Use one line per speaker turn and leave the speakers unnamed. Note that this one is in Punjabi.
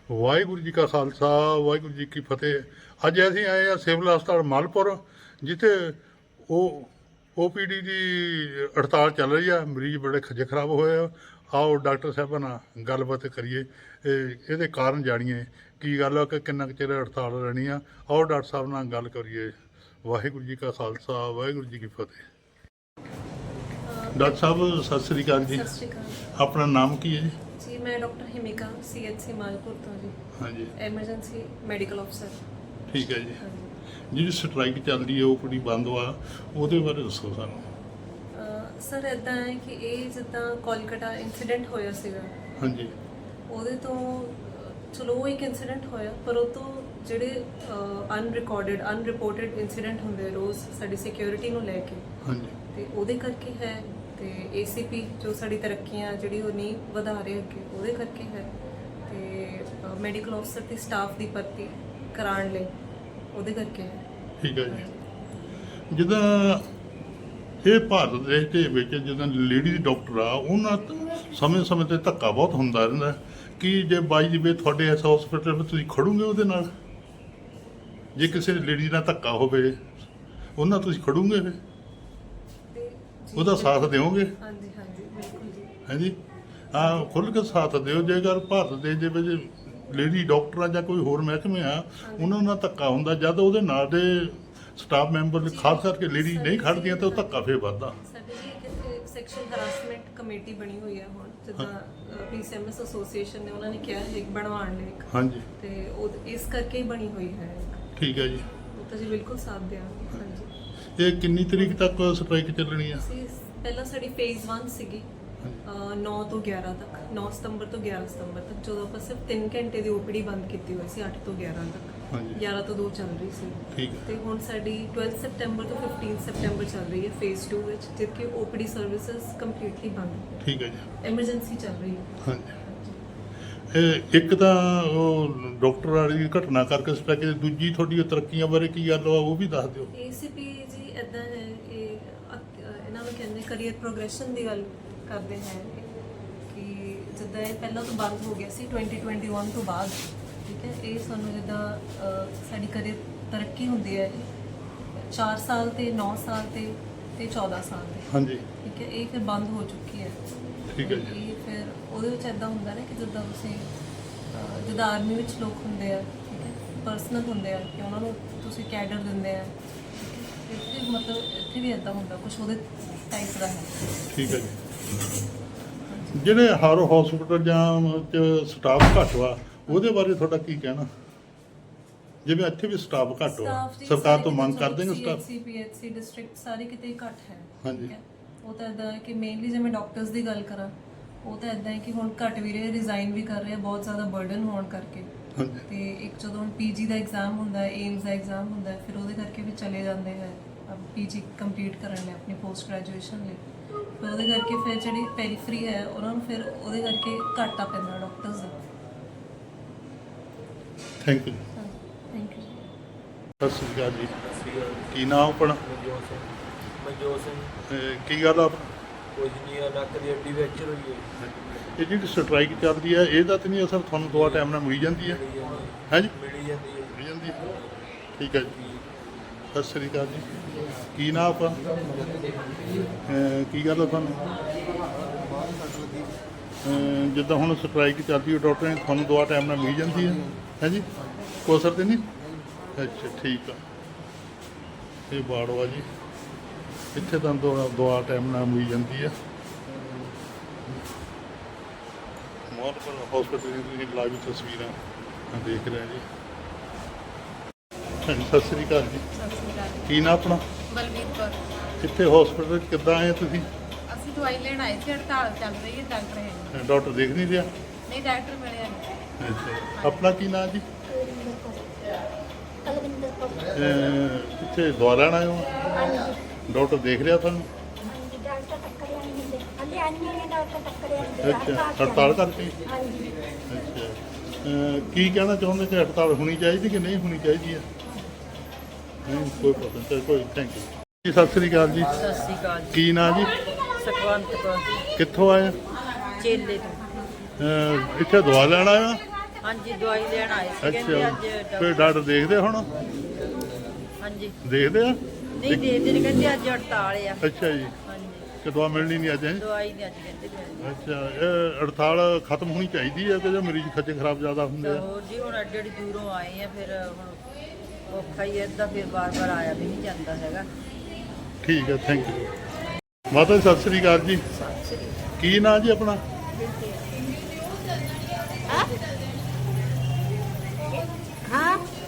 ਵਾਹਿਗੁਰੂ ਜੀ ਕਾ ਖਾਲਸਾ ਵਾਹਿਗੁਰੂ ਜੀ ਕੀ ਫਤਿਹ। ਅੱਜ ਅਸੀਂ ਆਏ ਆ ਸਿਵਲ ਹਸਪਤਾਲ ਮਾਲਪੁਰ, ਜਿੱਥੇ OPD ਦੀ ਹੜਤਾਲ ਚੱਲ ਰਹੀ ਆ। ਮਰੀਜ਼ ਬੜੇ ਖੱਜੇ ਖਰਾਬ ਹੋਏ ਆ। ਆਓ ਡਾਕਟਰ ਸਾਹਿਬਾਂ ਨਾਲ ਗੱਲਬਾਤ ਕਰੀਏ, ਇਹਦੇ ਕਾਰਨ ਜਾਣੀਏ ਕੀ ਗੱਲ ਆ ਕਿ ਕਿੰਨਾ ਕੁ ਚਿਰ ਹੜਤਾਲ ਰਹਿਣੀ ਆ। ਆਓ ਡਾਕਟਰ ਸਾਹਿਬ ਨਾਲ ਗੱਲ ਕਰੀਏ। ਵਾਹਿਗੁਰੂ ਜੀ ਕਾ ਖਾਲਸਾ ਵਾਹਿਗੁਰੂ ਜੀ ਕੀ ਫਤਿਹ। ਡਾਕਟਰ ਸਾਹਿਬ ਸਤਿ ਸ੍ਰੀ ਅਕਾਲ ਜੀ।
ਸਤਿ ਸ਼੍ਰੀ ਅਕਾਲ
ਆਪਣਾ ਨਾਮ ਕੀ ਹੈ ਜੀ?
ਜੀ ਮੈਂ ਡਾਕਟਰ ਹਿਮਿਕਾ CHC ਮਾਲਪੁਰ ਤੋਂ ਜੀ।
ਹਾਂਜੀ,
ਐਮਰਜੈਂਸੀ ਮੈਡੀਕਲ ਅਫਸਰ।
ਠੀਕ ਹੈ ਜੀ।
ਹਾਂਜੀ
ਜਿਹੜੀ ਸਟ੍ਰਾਈਕ ਚੱਲਦੀ ਹੈ OPD ਬੰਦ ਵਾ, ਉਹਦੇ ਬਾਰੇ ਦੱਸੋ ਸਾਨੂੰ।
ਸਰ ਇੱਦਾਂ ਹੈ ਕਿ ਇਹ ਜਿੱਦਾਂ ਕੋਲਕਾਤਾ ਇਨਸੀਡੈਂਟ ਹੋਇਆ ਸੀਗਾ,
ਹਾਂਜੀ
ਉਹਦੇ ਤੋਂ ਚਲੋ ਉਹ ਇੱਕ ਇਨਸੀਡੈਂਟ ਹੋਇਆ, ਪਰ ਉਹ ਤੋਂ ਜਿਹੜੇ ਅਨਰਿਪੋਰਟਡ ਇਨਸੀਡੈਂਟ ਹੁੰਦੇ ਰੋਜ਼ ਸਾਡੀ ਸਿਕਿਉਰਿਟੀ ਨੂੰ ਲੈ ਕੇ,
ਹਾਂਜੀ
ਤੇ ਉਹਦੇ ਕਰਕੇ ਹੈ। ਤੇ ACP ਜੋ ਸਾਡੀ ਤਰੱਕੀਆਂ ਜਿਹੜੀ ਉਹ ਨਹੀਂ ਵਧਾ ਰਹੇ ਅੱਗੇ, ਉਹਦੇ ਕਰਕੇ ਹੈ। ਤੇ ਮੈਡੀਕਲ ਅਫਸਰ ਤੇ ਸਟਾਫ ਦੀ ਭਰਤੀ ਕਰਾਉਣ ਲਈ ਉਹਦੇ ਕਰਕੇ ਹੈ।
ਠੀਕ ਹੈ ਜੀ। ਜਿੱਦਾਂ ਇਹ ਭਾਰਤ ਦੇਸ਼ ਦੇ ਵਿੱਚ ਜਿੱਦਾਂ ਲੇਡੀ ਡਾਕਟਰ ਆ, ਉਹਨਾਂ ਸਮੇਂ ਤੇ ਧੱਕਾ ਬਹੁਤ ਹੁੰਦਾ ਰਹਿੰਦਾ ਕਿ ਜੇ ਬਾਈ ਦੀ ਵੇ ਤੁਹਾਡੇ ਇਸ ਹਸਪੀਟਲ ਵਿੱਚ ਤੁਸੀਂ ਖੜੋਗੇ ਉਹਦੇ ਨਾਲ, ਜੇ ਕਿਸੇ ਲੇਡੀ ਨਾਲ ਧੱਕਾ ਹੋਵੇ ਉਹਨਾਂ ਤੁਸੀਂ ਖੜੋਗੇ ਫਿਰ
ਤੇ ਜੀ,
ਉਹਦਾ ਸਾਥ ਦਿਓਗੇ?
ਹਾਂਜੀ ਹਾਂਜੀ ਬਿਲਕੁਲ ਜੀ।
ਹਾਂਜੀ ਹਾਂ, ਖੁੱਲ੍ਹ ਕੇ ਸਾਥ ਦਿਓ। ਜੇਕਰ ਭਾਰਤ ਦੇਸ਼ ਦੇ ਵਿੱਚ ਲੇਡੀ ਡਾਕਟਰ ਆ ਜਾਂ ਕੋਈ ਹੋਰ ਮਹਿਕਮੇ ਆ, ਉਹਨਾਂ ਨਾਲ ਧੱਕਾ ਹੁੰਦਾ, ਜਦ ਉਹਦੇ ਨਾਲ ਦੇ ਸਟਾਫ ਮੈਂਬਰ ਖਾਸ ਕਰਕੇ ਲੇਡੀ ਨਹੀਂ ਖੜਦੀਆਂ ਤਾਂ ਉਹ ਧੱਕਾ ਫੇਰ ਵੱਧਦਾ।
ਸਾਡੇ ਜੀ ਇੱਕ ਸੈਕਸ਼ਨ ਹਰਾਸਮੈਂਟ ਕਮੇਟੀ ਬਣੀ ਹੋਈ ਹੈ ਹੁਣ, ਜਿੱਦਾਂ PCMS ਐਸੋਸੀਏਸ਼ਨ ਨੇ ਉਹਨਾਂ ਨੇ ਕਿਹਾ ਹੈ ਇੱਕ ਬਣਵਾਉਣ ਲਈ ਇੱਕ,
ਹਾਂਜੀ
ਤੇ ਉਹ ਇਸ ਕਰਕੇ ਹੀ ਬਣੀ ਹੋਈ ਹੈ।
ਠੀਕ ਹੈ ਜੀ।
ਉਹ ਤਾਂ ਜੀ ਬਿਲਕੁਲ ਸਾਥ ਦਿਆਂਗੇ। ਹਾਂਜੀ,
ਇਹ ਕਿੰਨੀ ਤਰੀਕ ਤੱਕ ਸਟ੍ਰਾਈਕ ਚੱਲਣੀ ਆ?
ਅਸੀਂ ਪਹਿਲਾਂ ਸਾਡੀ ਫੇਜ਼ 1 ਸੀਗੀ 9 ਤੋਂ 11 ਤੱਕ, 9 ਸਤੰਬਰ ਤੋਂ 11 ਸਤੰਬਰ ਤੱਕ, ਜਦੋਂ ਆਪਾਂ ਸਿਰਫ 3 ਘੰਟੇ ਦੀ OPD ਬੰਦ ਕੀਤੀ ਹੋਈ ਸੀ 8 ਤੋਂ 11 ਤੱਕ।
ਹਾਂਜੀ
11 ਤੋਂ 2 ਚੱਲ ਰਹੀ ਸੀ।
ਠੀਕ ਹੈ।
ਤੇ ਹੁਣ ਸਾਡੀ 12 ਸਤੰਬਰ ਤੋਂ 15 ਸਤੰਬਰ ਚੱਲ ਰਹੀ ਹੈ ਫੇਜ਼ 2 ਵਿੱਚ, ਜਿੱਥੇ OPD ਸਰਵਿਸਿਜ਼ ਕੰਪਲੀਟਲੀ ਬੰਦ ਹੈ।
ਠੀਕ ਹੈ ਜੀ।
ਐਮਰਜੈਂਸੀ ਚੱਲ ਰਹੀ ਹੈ।
ਹਾਂਜੀ ਇੱਕ ਤਾਂ ਉਹ ਡਾਕਟਰ ਵਾਲੀ ਘਟਨਾ ਕਰਕੇ ਸਟ੍ਰਾਈਕ, ਦੂਜੀ ਤੁਹਾਡੀ ਤਰੱਕੀਆਂ ਬਾਰੇ ਕੀ ਗੱਲ ਆ ਉਹ ਵੀ ਦੱਸ ਦਿਓ।
ACP ਜੀ ਇੱਦਾਂ ਹੈ, ਇਹਨਾਂ ਨੂੰ ਕਹਿੰਦੇ ਕਰੀਅਰ ਪ੍ਰੋਗਰੈਸ਼ਨ ਦੀ ਗੱਲ ਕਰਦੇ ਹੈ ਕਿ ਜਿੱਦਾਂ ਇਹ ਪਹਿਲਾਂ ਤੋਂ ਬੰਦ ਹੋ ਗਿਆ ਸੀ 2021 ਤੋਂ ਬਾਅਦ, ਠੀਕ ਹੈ। ਇਹ ਸਾਨੂੰ ਜਿੱਦਾਂ ਸਾਡੀ ਕਰੀਅਰ ਤਰੱਕੀ ਹੁੰਦੀ ਹੈ 4 ਸਾਲ ਤੇ 9 ਸਾਲ ਤੇ 14 ਸਾਲ ਤੇ,
ਹਾਂਜੀ
ਠੀਕ ਹੈ। ਇਹ ਫਿਰ ਬੰਦ ਹੋ ਚੁੱਕੀ ਹੈ।
ਠੀਕ ਹੈ ਜੀ।
ਇਹ ਫਿਰ ਉਹਦੇ ਵਿੱਚ ਇੱਦਾਂ ਹੁੰਦਾ ਨਾ ਕਿ ਜਿੱਦਾਂ ਤੁਸੀਂ ਜਿੱਦਾਂ ਆਰਮੀ ਵਿੱਚ ਲੋਕ ਹੁੰਦੇ ਆ, ਠੀਕ ਹੈ, ਪਰਸਨਲ ਹੁੰਦੇ ਆ ਕਿ ਉਹਨਾਂ ਨੂੰ ਤੁਸੀਂ ਕੈਡਰ ਦਿੰਦੇ ਆ, ਇੱਥੇ ਮਤਲਬ ਇੱਥੇ ਵੀ ਇੱਦਾਂ ਹੁੰਦਾ ਕੁਝ ਉਹਦੇ ਟਾਈਪ ਦਾ ਹੈ।
ਠੀਕ ਹੈ ਜੀ। ਜਿਹੜੇ ਹਰ ਹਸਪੀਟਲ ਜਾਂ ਸਟਾਫ ਘੱਟ ਵਾ, ਉਹਦੇ ਬਾਰੇ ਤੁਹਾਡਾ ਕੀ ਕਹਿਣਾ? ਜਿਵੇਂ ਇੱਥੇ ਵੀ ਸਟਾਫ ਘੱਟ ਵਾ, ਸਰਕਾਰ ਤੋਂ ਮੰਗ ਕਰਦੇ ਨੇ ਸਟਾਫ?
PHC ਡਿਸਟ੍ਰਿਕਟ ਸਾਰੇ ਕਿਤੇ ਘੱਟ ਹੈ।
ਹਾਂਜੀ।
ਠੀਕ ਹੈ। ਉਹ ਤਾਂ ਇੱਦਾਂ ਹੈ ਕਿ ਮੇਨਲੀ ਜੇ ਮੈਂ ਡਾਕਟਰਸ ਦੀ ਗੱਲ ਕਰਾਂ, ਉਹ ਤਾਂ ਇੱਦਾਂ ਹੈ ਕਿ ਹੁਣ ਘੱਟ ਵੀ ਰਹੇ, ਰਿਜ਼ਾਈਨ ਵੀ ਕਰ ਰਹੇ ਆ ਬਹੁਤ ਜ਼ਿਆਦਾ ਬਰਡਨ ਹੋਣ ਕਰਕੇ।
ਹਾਂਜੀ
ਤੇ ਇੱਕ ਜਦੋਂ PG ਦਾ ਐਗਜ਼ਾਮ ਹੁੰਦਾ ਹੈ, ਏਮਸ ਦਾ ਐਗਜ਼ਾਮ ਹੁੰਦਾ ਹੈ, ਫਿਰ ਉਹਦੇ ਕਰਕੇ ਵੀ ਚਲੇ ਜਾਂਦੇ ਹੈ PG ਕੰਪਲੀਟ ਕਰਨ ਲਈ, ਆਪਣੀ ਪੋਸਟ ਗ੍ਰੈਜੂਏਸ਼ਨ ਲਈ। ਫਿਰ ਉਹਦੇ ਕਰਕੇ ਫਿਰ ਜਿਹੜੀ ਪੈਰੀਫਰੀ ਹੈ ਉਹਨਾਂ ਨੂੰ ਫਿਰ ਉਹਦੇ ਕਰਕੇ ਘਾਟਾ ਪੈਂਦਾ ਡਾਕਟਰਸ ਦਾ।
Thank you.
Thank you.
ਸਤਿ ਸ੍ਰੀ ਅਕਾਲ ਜੀ। ਕੀ ਨਾਮ ਆਪਣਾ?
ਮਨਜੋਤ ਸਿੰਘ।
ਕੀ ਗੱਲ ਆ?
ਕੁਝ ਨਹੀਂ ਆ, ਨੱਕ ਦੀ ਹੱਡੀ ਫ੍ਰੈਕਚਰ ਹੋਈ ਹੈ।
ਇਹ ਜਿਹੜੀ ਸਟ੍ਰਾਈਕ ਚੱਲਦੀ ਆ, ਇਹਦਾ ਤਾਂ ਨਹੀਂ ਅਸਰ ਤੁਹਾਨੂੰ ਦਵਾ ਟਾਈਮ ਨਾਲ ਮਿਲ ਜਾਂਦੀ ਹੈ? ਹੈ ਜੀ,
ਮਿਲੀ ਜਾਂਦੀ ਹੈ।
ਮਿਲ ਜਾਂਦੀ ਹੈ। ਠੀਕ ਹੈ ਜੀ। ਸਤਿ ਸ੍ਰੀ ਅਕਾਲ ਜੀ। ਕੀ ਨਾਮ ਆਪਣਾ? ਕੀ ਗੱਲ ਆ ਤੁਹਾਨੂੰ? ਜਿੱਦਾਂ ਹੁਣ ਸਟ੍ਰਾਈਕ ਚੱਲਦੀ ਹੈ, ਡਾਕਟਰ ਨੇ ਤੁਹਾਨੂੰ ਦਵਾ ਟਾਈਮ ਨਾਲ ਮਿਲ ਜਾਂਦੀ ਹੈ? ਹੈ ਜੀ, ਕੋਈ ਅਸਰ ਤਾਂ ਨਹੀਂ? ਅੱਛਾ ਠੀਕ ਆ। ਇਹ ਬਾੜਵਾ ਜੀ, ਇੱਥੇ ਤਾਂ ਦਵਾ ਟਾਈਮ ਨਾਲ ਮਿਲ ਜਾਂਦੀ ਹੈ। ਮਾਲਪੁਰ ਹਸਪੀਟਲ ਦੀ ਤੁਸੀਂ ਲਾਈਵ ਤਸਵੀਰਾਂ ਦੇਖ ਰਹੇ ਜੀ। ਹਾਂਜੀ ਸਤਿ ਸ੍ਰੀ ਅਕਾਲ ਜੀ।
ਸਤਿ ਸ਼੍ਰੀ ਅਕਾਲ।
ਕੀ ਨਾਮ ਆਪਣਾ?
ਬਲਵੀਰ ਕੌਰ।
ਇੱਥੇ ਹਸਪੀਟਲ ਕਿੱਦਾਂ ਆਏ ਤੁਸੀਂ?
ਅਸੀਂ ਦਵਾਈ ਲੈਣ ਆਏ ਸੀ, ਹੜਤਾਲ ਚੱਲ ਰਹੀ ਹੈ, ਡਾਕਟਰ ਹੈ ਨਹੀਂ।
ਡਾਕਟਰ ਦੇਖ ਨਹੀਂ ਰਿਹਾ?
ਨਹੀਂ, ਡਾਕਟਰ ਮਿਲਿਆ ਨਹੀਂ।
ਅੱਛਾ, ਆਪਣਾ ਕੀ ਨਾਮ ਜੀ?
ਕੁਲਵਿੰਦਰ ਕੌਰ।
ਇੱਥੇ ਦਵਾ ਲੈਣ ਆਏ ਹੋ?
ਹਾਂਜੀ
ਡਾਕਟਰ ਦੇਖ ਰਿਹਾ ਤੁਹਾਨੂੰ?
ਹਾਂਜੀ, ਡਾਕਟਰ ਟੱਕਰਿਆ ਨਹੀਂ ਹੁੰਦੇ, ਹਾਂਜੀ ਐਨਮੀ ਨੇ ਡਾਕਟਰ ਟੱਕਰਿਆ ਨਹੀਂ ਹੁੰਦੇ।
ਅੱਛਾ, ਹੜਤਾਲ ਕਰਕੇ?
ਹਾਂਜੀ।
ਅੱਛਾ, ਕੀ ਕਹਿਣਾ ਚਾਹੁੰਦੇ ਕਿ ਹੜਤਾਲ ਹੋਣੀ ਚਾਹੀਦੀ ਕਿ ਨਹੀਂ ਹੋਣੀ ਚਾਹੀਦੀ ਹੈ? ਨਹੀਂ ਕੋਈ ਪ੍ਰੋਬਲਮ ਨਹੀਂ, ਕੋਈ ਥੈਂਕ ਯੂ ਜੀ। ਸਤਿ ਸ੍ਰੀ ਅਕਾਲ ਜੀ।
ਸਤਿ ਸ਼੍ਰੀ ਅਕਾਲ ਜੀ।
ਕੀ ਨਾਂ ਜੀ?
ਸੁਖਵੰਤ ਕੌਰ
ਕਿੱਥੋਂ ਆਏ?
ਚੇਲੇ ਤੋਂ।
ਇੱਥੇ ਦਵਾ ਲੈਣ ਆਇਆ?
ਹਾਂਜੀ ਦਵਾਈ ਲੈਣ ਆਏ ਸੀ ਕਹਿੰਦੇ
ਅੱਛਾ
ਅੱਜ
ਫਿਰ ਡਾਕਟਰ ਦੇਖਦੇ ਹੁਣ
ਹਾਂਜੀ
ਦੇਖਦੇ ਆ
ਨਹੀਂ ਦੇਖਦੇ ਨਹੀਂ ਕਹਿੰਦੇ ਅੱਜ ਹੜਤਾਲ ਆ
ਅੱਛਾ ਜੀ
ਹਾਂਜੀ
ਕਿ ਦਵਾ ਮਿਲਣੀ ਨਹੀਂ ਅੱਜ ਹੈਂ?
ਦਵਾਈ ਨਹੀਂ ਅੱਜ ਕਹਿੰਦੇ ਮਿਲਣੀ
ਅੱਛਾ ਇਹ ਹੜਤਾਲ ਖਤਮ ਹੋਣੀ ਚਾਹੀਦੀ ਹੈ ਕਿ ਜੇ ਮਰੀਜ਼ ਖੱਜੇ ਖਰਾਬ ਜ਼ਿਆਦਾ ਹੁੰਦੇ
ਤਾਂ
ਆ
ਹੋਰ ਜੀ ਹੁਣ ਅੱਡੀ ਅੱਡੀ ਦੂਰੋਂ ਆਏ ਆ ਫਿਰ ਹੁਣ ਔਖਾ ਹੀ ਏਦਾਂ ਫਿਰ ਬਾਰ-ਬਾਰ ਆਇਆ ਵੀ ਨਹੀਂ ਜਾਂਦਾ ਹੈਗਾ
ਠੀਕ ਹੈ ਥੈਂਕ ਯੂ ਮਾਤਾ ਜੀ ਸਤਿ ਸ੍ਰੀ ਅਕਾਲ ਜੀ ਕੀ ਨਾਂ ਜੀ ਆਪਣਾ
ਹਾਂ